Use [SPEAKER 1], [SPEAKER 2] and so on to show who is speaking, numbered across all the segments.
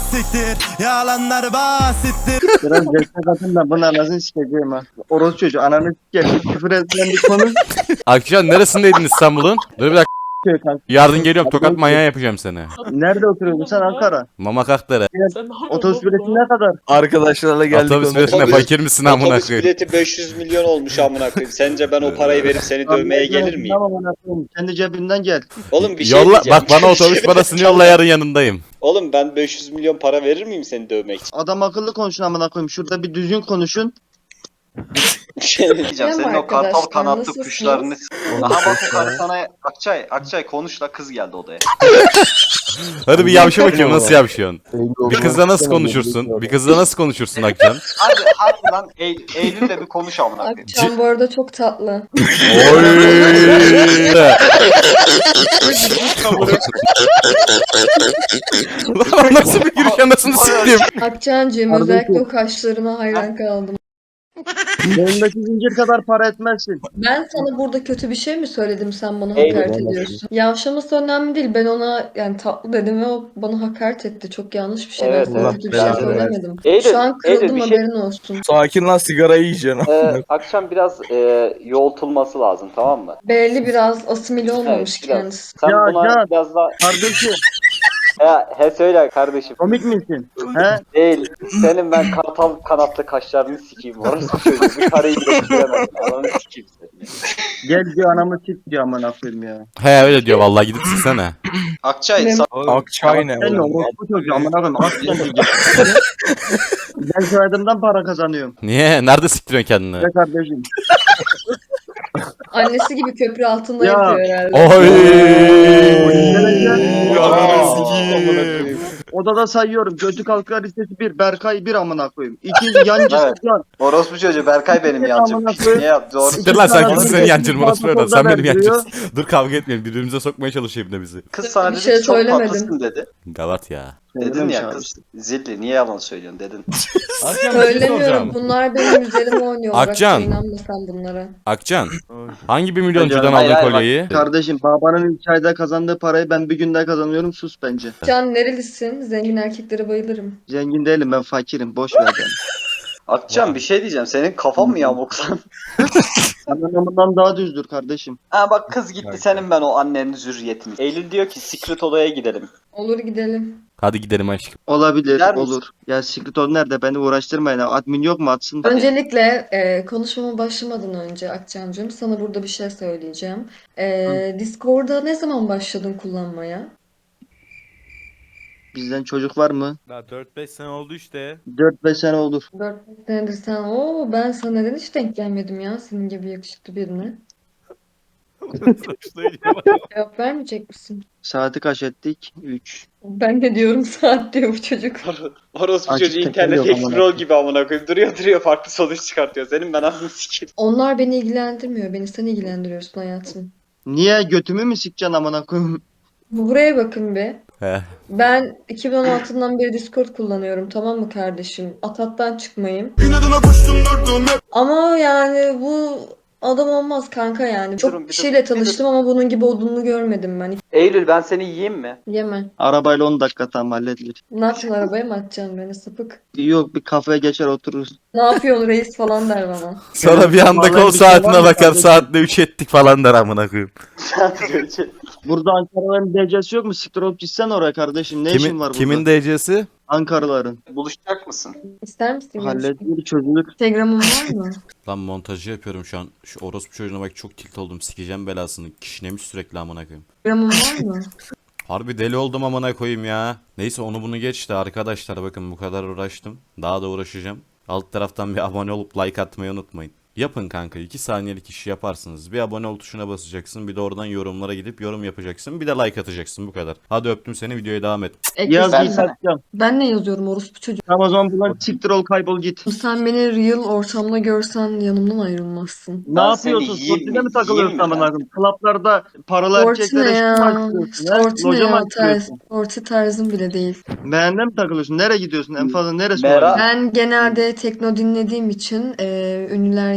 [SPEAKER 1] siktir. Yalanlar basittir.
[SPEAKER 2] Biraz destek atın da bunun anasını sikeceğim ha. Orospu çocuğu ananı sikeceğim. Küfür edilen bir konu.
[SPEAKER 3] Akşam neresindeydin İstanbul'un? Dur bir dakika.
[SPEAKER 2] Diyor kanka.
[SPEAKER 3] Yarın geliyorum, tokat manyağı yapacağım seni.
[SPEAKER 2] Nerede oturuyorsun sen Ankara?
[SPEAKER 3] Mama Kakdere.
[SPEAKER 2] Otobüs bileti ne kadar?
[SPEAKER 4] Arkadaşlarla geldik.
[SPEAKER 3] Otobüs biletine fakir misin amına
[SPEAKER 5] Otobüs
[SPEAKER 3] koyayım?
[SPEAKER 5] bileti 500 milyon olmuş amına koyayım. Sence ben o parayı verip seni dövmeye gelir miyim?
[SPEAKER 2] Tamam anasını. Kendi cebinden gel.
[SPEAKER 5] Oğlum bir şey
[SPEAKER 3] Yolla
[SPEAKER 5] diyeceğim.
[SPEAKER 3] bak, bana otobüs parasını yolla, yarın yanındayım.
[SPEAKER 5] Oğlum ben 500 milyon para verir miyim seni dövmek için?
[SPEAKER 2] Adam akıllı konuşun amına koyayım. Şurada bir düzgün konuşun.
[SPEAKER 5] Bir şey
[SPEAKER 6] diyeceğim. Senin o kartal kanatlı kuşlarını...
[SPEAKER 5] Aha bak o karı sana Akçay konuş la, kız geldi odaya.
[SPEAKER 3] Hadi bir yavşa bakayım, nasıl yavşıyorsun? Bir kızla nasıl konuşursun? Bir kızla nasıl konuşursun Akcan?
[SPEAKER 5] Hadi lan Eylül'le bir konuş amına koyayım.
[SPEAKER 6] Akçam bu arada çok tatlı.
[SPEAKER 3] Oy! Lan nasıl bir giriş, anasını siktim.
[SPEAKER 6] Akçancığım özellikle o kaşlarına hayran kaldım.
[SPEAKER 2] Yanındaki zincir kadar para etmezsin.
[SPEAKER 6] Ben sana burada kötü bir şey mi söyledim, sen bana
[SPEAKER 5] Eyvallah.
[SPEAKER 6] hakaret ediyorsun? Yavşaması önemli değil. Ben ona yani tatlı dedim ve o bana hakaret etti. Çok yanlış bir şey.
[SPEAKER 5] Evet,
[SPEAKER 6] Ben sana
[SPEAKER 4] evet.
[SPEAKER 6] kötü bir şey
[SPEAKER 4] Evet.
[SPEAKER 6] söylemedim.
[SPEAKER 5] Eylül,
[SPEAKER 6] Şu an kırıldım,
[SPEAKER 5] Eylül, bir şey-
[SPEAKER 6] haberin olsun.
[SPEAKER 4] Sakin lan, sigara yiyeceksin.
[SPEAKER 5] Akşam biraz yoğultulması lazım, tamam mı?
[SPEAKER 6] Belli biraz asimile olmamış
[SPEAKER 5] Evet, biraz.
[SPEAKER 6] kendisi.
[SPEAKER 5] Sen
[SPEAKER 2] Ya,
[SPEAKER 5] buna
[SPEAKER 2] ya.
[SPEAKER 5] biraz daha...
[SPEAKER 2] Kardeşim
[SPEAKER 5] Söyle kardeşim.
[SPEAKER 2] komik misin? He?
[SPEAKER 5] Değil. Senin ben kartal kanatlı kaşlarını sikeyim. Orası çocuğu. Bir karıyı bile sikeyemezsin. Ananı sikeyim seni.
[SPEAKER 2] Gel diyor anamı sik diyor amına koyayım ya.
[SPEAKER 3] He öyle diyor vallahi, gidip siksene.
[SPEAKER 5] Akçay
[SPEAKER 6] Ne-
[SPEAKER 4] Akçay ne
[SPEAKER 2] Sen ne
[SPEAKER 4] oğlum?
[SPEAKER 2] orospu çocuğu amına koyayım. Aslen diyeceğim. Ben soyadımdan para kazanıyorum.
[SPEAKER 3] Niye? Nerede siktiriyorsun kendini?
[SPEAKER 2] Ve kardeşim.
[SPEAKER 6] Annesi gibi köprü altında
[SPEAKER 2] Ya.
[SPEAKER 6] yapıyor herhalde.
[SPEAKER 3] Oy!
[SPEAKER 2] Ananı
[SPEAKER 3] sikeyim.
[SPEAKER 2] Odada sayıyorum. Götü kalkar listesi 1. Berkay 1 amına koyayım. 2 yancısı
[SPEAKER 5] Evet.
[SPEAKER 2] Can.
[SPEAKER 5] Orospu çocuğu Berkay benim yancım.
[SPEAKER 2] Amına koyayım.
[SPEAKER 5] Niye yaptı? Doğru.
[SPEAKER 3] Siktir lan, sen
[SPEAKER 2] Sana
[SPEAKER 3] kimsin
[SPEAKER 2] bir
[SPEAKER 3] senin
[SPEAKER 2] de
[SPEAKER 3] yancın,
[SPEAKER 2] bir
[SPEAKER 3] orası böyle.
[SPEAKER 2] fotoğrafta
[SPEAKER 3] Sen benim
[SPEAKER 2] verdiriyor.
[SPEAKER 3] yancımsın. Dur kavga etmeyelim, birbirimize sokmaya çalışıyor bir de bizi.
[SPEAKER 5] Kız sana
[SPEAKER 6] Bir
[SPEAKER 5] dedi
[SPEAKER 6] şey
[SPEAKER 5] ki çok
[SPEAKER 6] söylemedim.
[SPEAKER 5] tatlısın dedi.
[SPEAKER 3] Gavat ya.
[SPEAKER 5] Dedin ya kız. Zilli niye yalan söylüyorsun dedin.
[SPEAKER 6] Söylemiyorum. Bunlar benim üzerime oynuyorlar.
[SPEAKER 3] Akcan.
[SPEAKER 6] İnanma sen bunlara.
[SPEAKER 3] Akcan, hangi bir milyoncudan
[SPEAKER 2] Hayır,
[SPEAKER 3] aldın
[SPEAKER 5] hayır,
[SPEAKER 3] kolyeyi?
[SPEAKER 2] Kardeşim babanın 2 ayda kazandığı parayı ben bir günde kazanıyorum. Sus bence.
[SPEAKER 6] Can nerelisin? Zengin erkeklere bayılırım.
[SPEAKER 2] Zengin değilim ben fakirim. Boş ver beni.
[SPEAKER 5] Akçam bir şey diyeceğim. Senin kafan mı yamuk lan?
[SPEAKER 2] Anlamından daha düzdür kardeşim.
[SPEAKER 5] Ha bak kız gitti senin ben o annenin zürriyetini. Eylül diyor ki secret odaya gidelim.
[SPEAKER 6] Olur gidelim.
[SPEAKER 3] Hadi gidelim aşkım.
[SPEAKER 2] Olabilir,
[SPEAKER 5] Gider misin?
[SPEAKER 2] olur. Ya Secret Ol nerede? Beni uğraştırmayın. Admin yok mu atsın?
[SPEAKER 6] Öncelikle konuşmama başlamadan önce Akçancığım sana burada bir şey söyleyeceğim. Discord'a ne zaman başladın kullanmaya?
[SPEAKER 2] Bizden çocuk var mı?
[SPEAKER 7] Daha 4-5 sene oldu işte.
[SPEAKER 2] 4-5 sene olur.
[SPEAKER 6] 4 senedir sen. Oo, ben sana neden hiç denk gelmedim ya senin gibi yakışıklı birine. Cevap vermeyecek misin?
[SPEAKER 2] Saati kaç ettik? 3.
[SPEAKER 6] Ben de diyorum saat diyor bu çocuk.
[SPEAKER 5] Orospu
[SPEAKER 2] Açık
[SPEAKER 5] çocuğu
[SPEAKER 2] tekrar
[SPEAKER 5] internet
[SPEAKER 2] yok amına
[SPEAKER 5] Explorer gibi amına koyayım. Duruyor farklı sonuç çıkartıyor. Senin ben anasını sikeyim.
[SPEAKER 6] Onlar beni ilgilendirmiyor. Beni sen ilgilendiriyorsun hayatım.
[SPEAKER 2] Niye götümü mü sikeceksin amına koyayım?
[SPEAKER 6] Buraya bakın be.
[SPEAKER 3] He.
[SPEAKER 6] Ben 2016'dan beri Discord kullanıyorum, tamam mı kardeşim? Atat'tan çıkmayayım. Ama yani bu adam olmaz kanka yani. Çok
[SPEAKER 5] Durun, bir
[SPEAKER 6] kişiyle
[SPEAKER 5] dur, bir
[SPEAKER 6] tanıştım ama bunun gibi olduğunu görmedim ben.
[SPEAKER 5] Eylül ben seni yiyeyim mi?
[SPEAKER 6] Yeme.
[SPEAKER 2] Arabayla 10 dakika tam halledilir.
[SPEAKER 6] Ne yapacaksın, arabaya mı atacaksın beni sapık?
[SPEAKER 2] Yok bir kafeye geçer otururuz.
[SPEAKER 6] Ne yapıyorsun reis falan der bana.
[SPEAKER 3] Sonra bir anda
[SPEAKER 2] Vallahi
[SPEAKER 3] kol
[SPEAKER 2] bir şey var
[SPEAKER 3] saatine
[SPEAKER 2] mı
[SPEAKER 3] bakar,
[SPEAKER 2] kardeşim?
[SPEAKER 3] saatte 3 ettik falan der amına koyayım.
[SPEAKER 2] Burada Ankaralıların DC'si yok mu? Siktir olup gitsen oraya kardeşim. Ne işin var burada?
[SPEAKER 3] Kimin DC'si?
[SPEAKER 2] Ankaralıların.
[SPEAKER 5] Buluşacak mısın?
[SPEAKER 6] İster misin?
[SPEAKER 2] Halledilir çözülür.
[SPEAKER 6] Instagram'ın var mı?
[SPEAKER 3] Lan montajı yapıyorum şu an. Şu orospu çocuğuna bak, çok tilt oldum. Sikeceğim belasını. Kişnemiş sürekli amına koyayım.
[SPEAKER 6] Instagram'ın var mı?
[SPEAKER 3] Harbi deli oldum amına koyayım ya. Neyse onu bunu geçti arkadaşlar, bakın bu kadar uğraştım. Daha da uğraşacağım. Alt taraftan bir abone olup like atmayı unutmayın. Yapın kanka, 2 saniyelik işi yaparsınız. Bir abone ol tuşuna basacaksın. Bir de oradan yorumlara gidip yorum yapacaksın. Bir de like atacaksın, bu kadar. Hadi öptüm seni, videoya devam et.
[SPEAKER 2] Yaz
[SPEAKER 5] Ben
[SPEAKER 2] git
[SPEAKER 5] sana-
[SPEAKER 2] atacağım.
[SPEAKER 6] Ben ne yazıyorum orospu çocuk?
[SPEAKER 2] Tamam o zaman buradan siktir ol kaybol git.
[SPEAKER 6] Sen beni real ortamda görsen yanımdan ayrılmazsın.
[SPEAKER 2] Ne
[SPEAKER 5] Ben seni
[SPEAKER 2] yapıyorsun?
[SPEAKER 5] yiyeyim
[SPEAKER 2] Sportide
[SPEAKER 5] mi?
[SPEAKER 2] mi takılıyorsun
[SPEAKER 5] Yiyeyim mi
[SPEAKER 2] amına koyayım? Klaplarda paralı
[SPEAKER 6] Sporty
[SPEAKER 2] erkeklere
[SPEAKER 6] ne ya?
[SPEAKER 2] açıyorsun. he?
[SPEAKER 6] Sporty ne
[SPEAKER 2] Loca mı
[SPEAKER 6] ya?
[SPEAKER 2] açıyorsun?
[SPEAKER 6] Sporty tarzım bile değil.
[SPEAKER 2] Beğende mi takılıyorsun? Nereye gidiyorsun? En fazla neresi
[SPEAKER 5] Merak-
[SPEAKER 2] olabilir?
[SPEAKER 6] Ben genelde tekno dinlediğim için ünlüler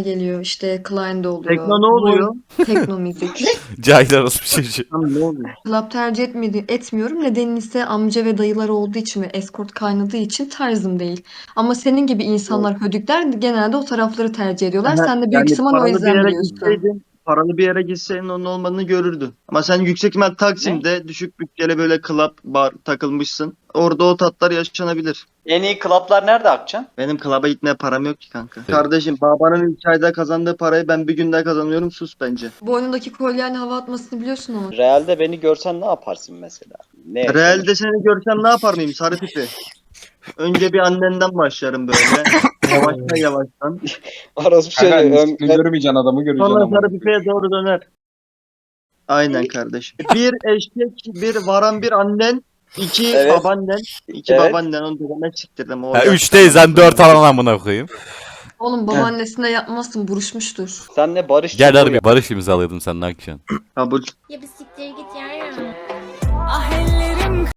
[SPEAKER 6] geliyor. İşte Klein'de oluyor.
[SPEAKER 2] Tekno ne oluyor?
[SPEAKER 6] Tekno müzik.
[SPEAKER 3] Cahil orospu çocuğu.
[SPEAKER 2] Lan ne oluyor?
[SPEAKER 6] Club tercih etmiyorum. Nedeni ise amca ve dayılar olduğu için ve escort kaynadığı için tarzım değil. Ama senin gibi insanlar, hödükler genelde o tarafları tercih ediyorlar. Sen de büyük ihtimal o
[SPEAKER 2] paralı bir
[SPEAKER 6] yüzden
[SPEAKER 2] yere
[SPEAKER 6] biliyorsun.
[SPEAKER 2] gitseydin, paralı bir yere gitseydin onun olmadığını görürdün. Ama sen yüksek ihtimal Taksim'de düşük bütçeli böyle club bar takılmışsın. Orada o tatlar yaşanabilir.
[SPEAKER 5] En iyi klaplar nerede Akçan?
[SPEAKER 2] Benim club'a gitmeye param yok ki kanka. Kardeşim babanın 2 ayda kazandığı parayı ben bir günde kazanıyorum, sus bence.
[SPEAKER 6] Boynundaki kolyeyle hava atmasını biliyorsun ama.
[SPEAKER 5] Realde beni görsen ne yaparsın mesela? Ne yaşanır?
[SPEAKER 2] Realde seni görsem ne yapar mıyım sarı tipi? Önce bir annenden başlarım böyle. Yavaştan yavaştan.
[SPEAKER 5] Orası
[SPEAKER 8] Kanka
[SPEAKER 5] şöyle
[SPEAKER 8] miskini görmeyeceksin, adamı göreceksin
[SPEAKER 2] Sonra
[SPEAKER 8] ama.
[SPEAKER 2] sarı pipeye doğru döner. Aynen kardeşim. Bir eşek, bir varan bir annen, iki
[SPEAKER 5] Evet.
[SPEAKER 2] babaannen, iki
[SPEAKER 5] Evet.
[SPEAKER 2] babaannen, onu dedeme siktirdim. O
[SPEAKER 3] Ha,
[SPEAKER 2] yaşta
[SPEAKER 3] 3 değil sen 4 alan amına koyayım.
[SPEAKER 6] Oğlum babaannesine yapmazsın, buruşmuştur.
[SPEAKER 5] senle barış
[SPEAKER 3] Gel
[SPEAKER 5] çubuğu
[SPEAKER 3] harbi barış imzalayalım seninle akşam.
[SPEAKER 2] Kabul.
[SPEAKER 9] Ya bir siktir git ya.
[SPEAKER 10] Ah